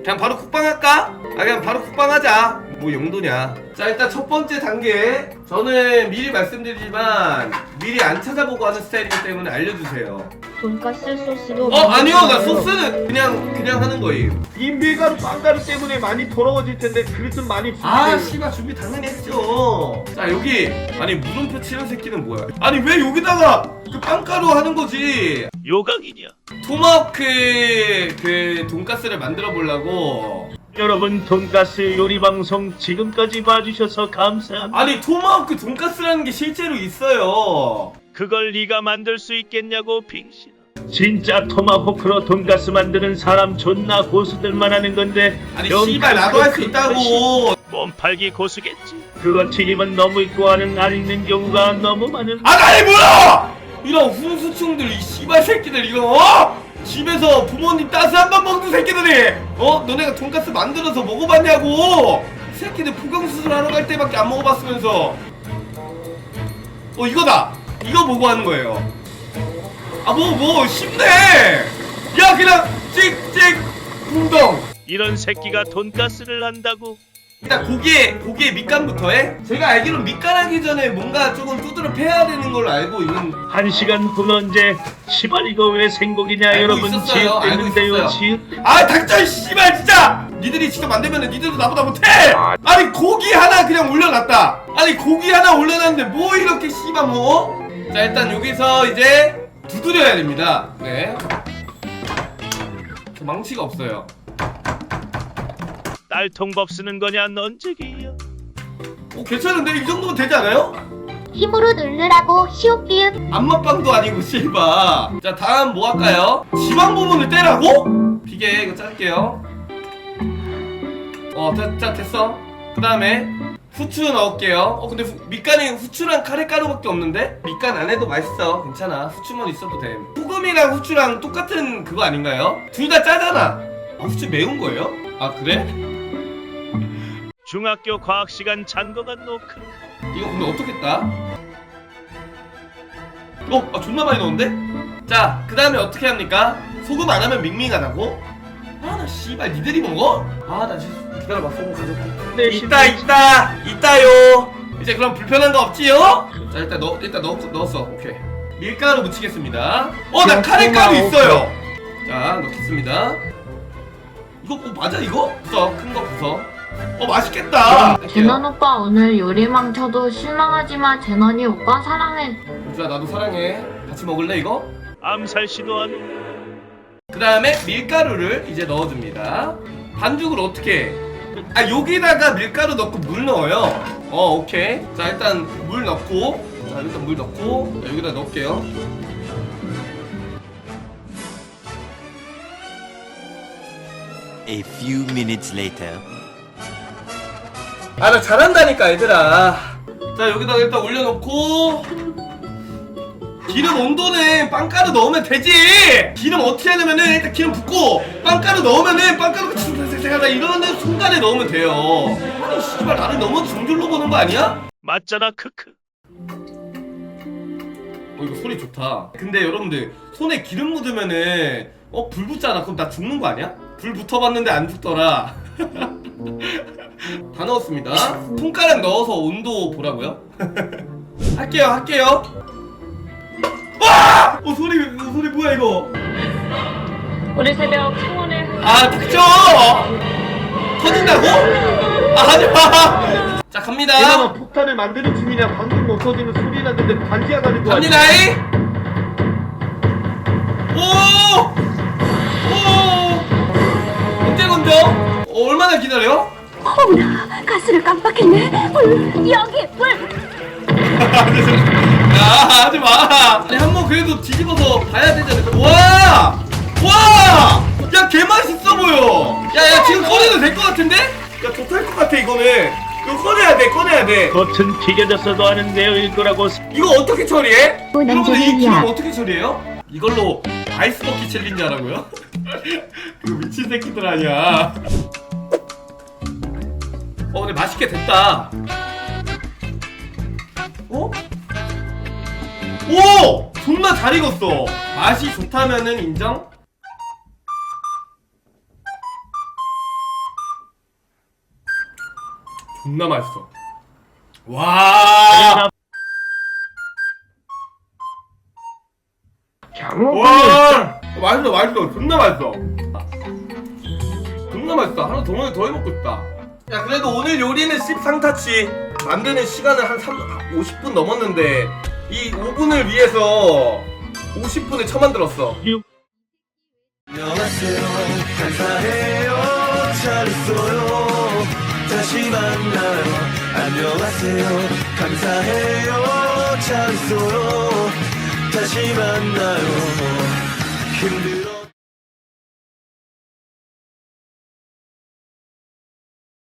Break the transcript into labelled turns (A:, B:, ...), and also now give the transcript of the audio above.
A: 그냥 바로 국방 할까? 그냥 바로 국방 하자. 뭐 용도냐. 자, 일단 첫 번째 단계, 저는 미리 말씀드리지만 미리 안 찾아보고 하는 스타일이기 때문에 알려주세요.
B: 돈가스 소스도
A: 아니요, 나 소스는 그냥 하는 거예요.
C: 이 밀가루 빵가루 때문에 많이 더러워질 텐데 그릇 좀 많이 주세요.
A: 씨발 준비 당연히 했죠. 자, 여기 아니 물음표 치는 새끼는 뭐야? 아니 왜 여기다가 그 빵가루 하는 거지?
D: 요강이냐?
A: 토마호크 그 돈가스를 만들어 보려고.
D: 여러분 돈가스 요리 방송 지금까지 봐주셔서 감사합니다.
A: 아니 토마호크 돈가스라는 게 실제로 있어요.
D: 그걸 네가 만들 수 있겠냐고 빙신. 진짜 토마호크로 돈가스 만드는 사람 존나 고수들만 하는 건데.
A: 아니 씨발 나도 할 수 있다고.
D: 몸팔기 고수겠지. 그거 튀김은 너무 있고 하는 안 있는 경우가 너무 많은.
A: 나이 뭐야! 이런 훈수충들, 이 씨발 새끼들 이거 집에서 부모님 따스한 밥 먹는 새끼들이 너네가 돈가스 만들어서 먹어봤냐고. 새끼들 포경수술 하러 갈 때밖에 안 먹어봤으면서. 이거다. 이거 보고 하는 거예요. 쉽네. 야 그냥 찍찍 풍덩.
D: 이런 새끼가 돈가스를 한다고?
A: 일단 고기에 밑간부터 해? 제가 알기로는 밑간하기 전에 뭔가 조금 두드러 패야 되는 걸로 알고 있는.
D: 1시간 후면 이제 시발 이거 왜 생고기냐.
A: 알고
D: 여러분
A: 있었어요. 알고
D: 지읒되는데요.
A: 있었어요.
D: 지읒.
A: 닥쳐 씨발 진짜. 니들이 직접 만들면은 니들도 나보다 못해. 아니 고기 하나 그냥 올려놨다. 아니 고기 하나 올려놨는데 뭐 이렇게 씨발 뭐. 자, 일단 여기서 이제 두드려야 됩니다. 네, 저 망치가 없어요.
D: 딸통법 쓰는 거냐 넌지기야.
A: 괜찮은데? 이 정도면 되지 않아요?
B: 힘으로 누르라고 시오피읍.
A: 안맛빵도 아니고 씨바. 자, 다음 뭐 할까요? 지방 부분을 떼라고? 비계 이거 짤게요. 자, 됐어. 그 다음에 후추 넣을게요. 근데 밑간에 후추랑 카레가루밖에 없는데? 밑간 안 해도 맛있어. 괜찮아. 후추만 있어도 돼. 소금이랑 후추랑 똑같은 그거 아닌가요? 둘 다 짜잖아. 후추 매운 거예요? 그래?
D: 중학교 과학시간 잔거가 노크.
A: 이거 근데 어떻게 따? 존나 많이 넣었는데? 자, 그 다음에 어떻게 합니까? 소금 안 하면 밍밍하다고? 나 씨발 니들이 먹어? 나 진짜 기다려봐. 소금 가져올게. 있다요. 이제 그럼 불편한 거 없지요? 자, 일단 넣었어. 오케이. 밀가루 묻히겠습니다. 나 카레가루 있어요. 자, 넣겠습니다. 이거 맞아 이거? 큰 거 부숴. 맛있겠다.
B: 제넌 오빠 오늘 요리망 쳐도 실망하지마. 제넌이 오빠 사랑해.
A: 우주야 나도 사랑해. 같이 먹을래 이거?
D: 암살 시도하는.
A: 그 다음에 밀가루를 이제 넣어줍니다. 반죽을 어떻게 해? 여기다가 밀가루 넣고 물 넣어요. 오케이. 자, 일단 물 넣고, 자, 여기다 넣을게요.
E: A few minutes later.
A: 나 잘한다니까 얘들아. 자, 여기다가 일단 올려놓고, 기름 온도는 빵가루 넣으면 되지. 기름 어떻게 하냐면은 일단 기름 붓고 빵가루 넣으면은 빵가루가 슥슥슥슥하다 이러는 순간에 넣으면 돼요. 아니 씨발 나를 너무 중졸로 보는 거 아니야?
D: 맞잖아 크크.
A: 이거 소리 좋다. 근데 여러분들 손에 기름 묻으면은 불 붙잖아. 그럼 나 죽는 거 아니야? 불 붙어봤는데 안 죽더라. 다 넣었습니다. 손가락 넣어서 온도 보라고요? 할게요. 와! 소리 뭐야 이거?
B: 우리 새벽 청혼을.
A: 닥쳐! 터진다고? 하지마! 자, 갑니다.
C: 얘가 폭탄을 만드는 중이냐. 방금 없어지는 소리 났는데 반지하 가는 거 아니야?
A: 갑니다이! 언제 건져? 얼마나 기다려?
B: 어머나 가스를 깜빡했네. 불 여기 불.
A: 야, 하지마! 아니, 한번 그래도 뒤집어서 봐야 되지 않을까? 와! 야, 개맛있어 보여! 야, 지금 꺼내도 될 것 같은데? 야, 좋을 것 같아, 이거는. 이거 꺼내야 돼.
D: 겉은 튀겨졌어도 하는 내용일 거라고.
A: 이거 어떻게 처리해? 여러분들 이 기름
B: 남자들이야.
A: 어떻게 처리해요? 이걸로 아이스 버킷 챌린지 하라고요? 그 미친 새끼들 아니야. 근데 맛있게 됐다. 오! 존나 잘 익었어. 맛이 좋다면은 인정? 존나 맛있어. 와. 와. 맛있어 맛있어. 존나 맛있어. 존나 맛있다. 하나 더 해먹고 싶다. 야 그래도 오늘 요리는 씹상타치. 만드는 시간은 한 50분 넘었는데 이 5분을 위해서 50분을 쳐만들었어.
F: 안녕하세요 감사해요 잘 있어요 다시 만나요 안녕하세요 감사해요 잘 있어요 다시 만나요 힘들어